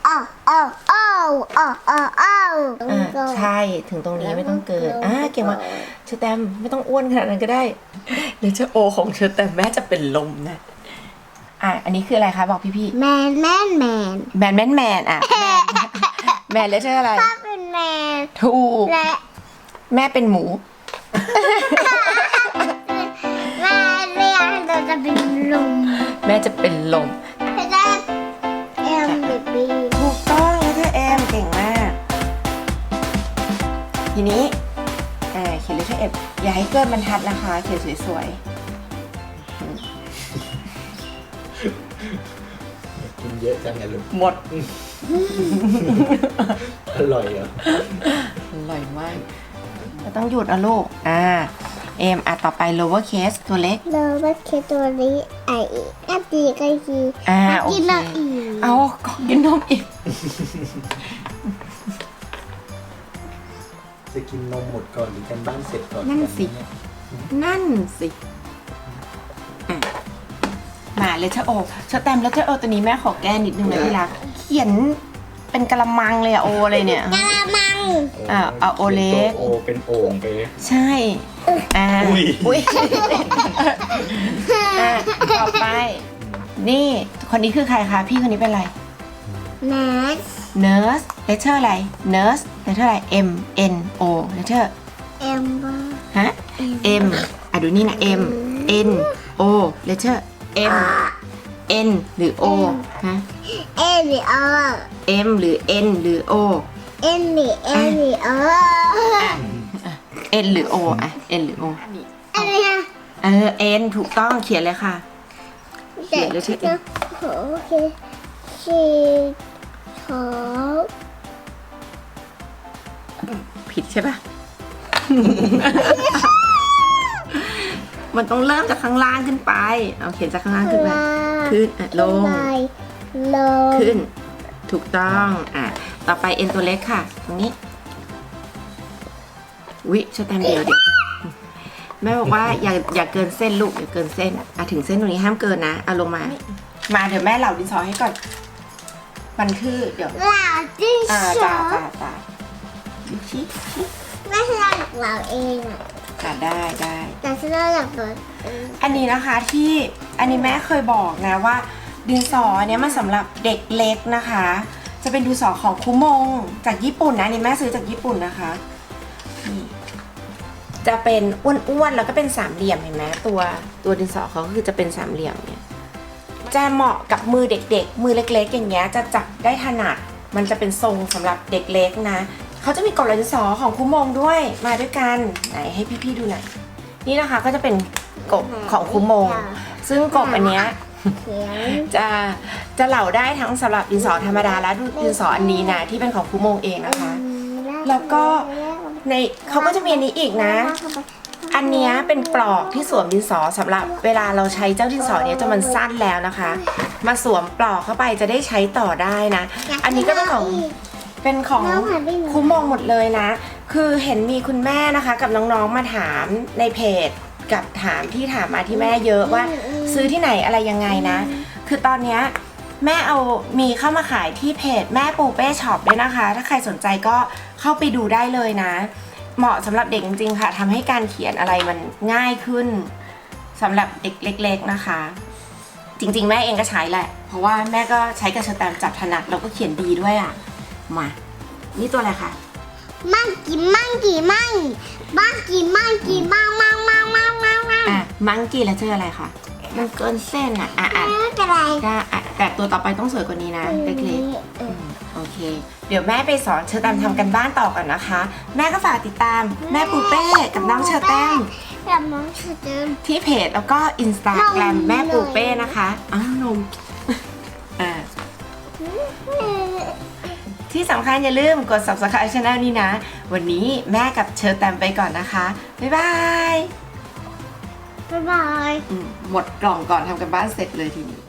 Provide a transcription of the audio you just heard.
ใช่ถึงตรงนี้ไม่ต้องเกินเก่งมากเชอแตมไม่ต้องอ้วนขนาดนั้นก็ได้เดี๋ยวจะโอของเชอแตมแม่จะเป็นลมนะอันนี้คืออะไรคะบอกพี่แมนแมนแมนแมนแมนแล้วเธออะไรป้าเป็นแมนถูกและแม่เป็นหมูแม่เรียกเราจะเป็นลมแม่จะเป็นลมได้เอ็มบีถูกต้องแล้วเธอเอ็มเก่งมากทีนี้เขียนเลขเอ็มอย่าให้เกินบรรทัดนะคะเขียนสวยกินเยอะจังไงลูกหมดอร่อยเหรออร่อยมากเราต้องหยุดนะลูกเอ็มต่อไป lower case ตัวเล็ก lower case ตัวนี้ดีใกล้ดีโอเคเอากินนมอีกจะกินนมหมดก่อนหรือกันบ้านเสร็จก่อนนั่นสิมาเลยเชอโอเชอแตมแล้วเชอโอตัวนี้แม่ขอแก้นิดนึงนะพี่รักเขียนเป็นกะละมังเลยโอเลยเนี่ยกะละมังโอเล็กโอเป็นโอ่งไปใช่อุ้ยต่อไปนี่คนนี้คือใครคะพี่คนนี้เป็นอะไร nurse เลเทอร์อะไร nurse เลเทอร์อะไร M N O เลเทอร์ M ฮะ M ดูนี่นะ M N O เลเทอร์ M N หรือ O ฮะ N หรือ O M หรือ N หรือ O N หรือ N หรือ O N หรือ O N หรือ O อะไรนะ N ถูกต้องเขียนเลยค่ะเขียนเลยใช่ไหมโอเคชีท็อปผิดใช่ปะ มันต้องเริ่มจากข้างล่างขึ้นไปเอาเขียนจากข้างล่างขึ้นไปขึ้นลงขึ้นถูกต้องต่อไป N ตัวเล็กค่ะตรงนี้ชแตมเดียวแม่บอกว่าอย่าเกินเส้นลูกอย่าเกินเส้นถึงเส้นตรงนี้ห้ามเกินนะลงมาเดี๋ยวแม่เหล่าดินสอให้ก่อนมันคือเดี๋ยวเหล่าดินสอชี้แม่เหล่าเองได้แต่ฉันเหล่าตัวอันนี้นะคะที่อันนี้แม่เคยบอกนะว่าดินสอเนี้ยมันสำหรับเด็กเล็กนะคะจะเป็นดินสอของคุมงจากญี่ปุ่นนะนี่แม่ซื้อจากญี่ปุ่นนะคะนี่จะเป็นอ้วนๆแล้วก็เป็นสามเหลี่ยมเห็นไหมตัวดินสอเขาคือจะเป็นสามเหลี่ยมเนี่ยจะเหมาะกับมือเด็กๆมือเล็กๆอย่างเงี้ยจะจับได้ถนัดมันจะเป็นทรงสำหรับเด็กเล็กนะเขาจะมีกบดินสอของคุมงด้วยมาด้วยกันไหนให้พี่ๆดูหน่อยนี่นะคะก็จะเป็นกบของคุมงซึ่งกบอันเนี้ยจะเหลาได้ทั้งสำหรับดินสอธรรมดาและดินสออันนี้นะที่เป็นของคุมงเองนะคะแล้วก็ในเขาก็จะมีอันนี้อีกนะอันนี้เป็นปลอกที่สวมดินสอสำหรับเวลาเราใช้เจ้าดินสอเนี้ยจนมันสั้นแล้วนะคะมาสวมปลอกเข้าไปจะได้ใช้ต่อได้นะอันนี้ก็เป็นของคุมงหมดเลยนะคือเห็นมีคุณแม่นะคะกับน้องๆมาถามในเพจกับถามมาที่แม่เยอะว่าซื้อที่ไหนอะไรยังไงนะคือตอนนี้แม่มีเข้ามาขายที่เพจแม่ปูเป้ช็อปด้วยนะคะถ้าใครสนใจก็เข้าไปดูได้เลยนะเหมาะสำหรับเด็กจริงๆค่ะทำให้การเขียนอะไรมันง่ายขึ้นสำหรับเด็กเล็กๆนะคะจริงๆแม่เองก็ใช้แหละเพราะว่าแม่ก็ใช้กับเชอแตมจับถนัดแล้วก็เขียนดีด้วยมานี่ตัวอะไรคะมังกี้แล้วเจออะไรคะมันเกินเส้นไม่เป็นไรแต่ตัวต่อไปต้องสวยกว่านี้นะเล็กๆโอเคเดี๋ยวแม่ไปสอนเชอแตมทำกันบ้านต่อก่อนนะคะแม่ก็ฝากติดตามแม่ปูเป้กับน้องเชอแตมที่เพจแล้วก็ Instagram แม่ปูเป้นะคะนมที่สำคัญอย่าลืมกด Subscribe Channel นี้นะวันนี้แม่กับเชอแตมไปก่อนนะคะบ๊ายบายหมดกล่องก่อนทำกันบ้านเสร็จเลยทีนี้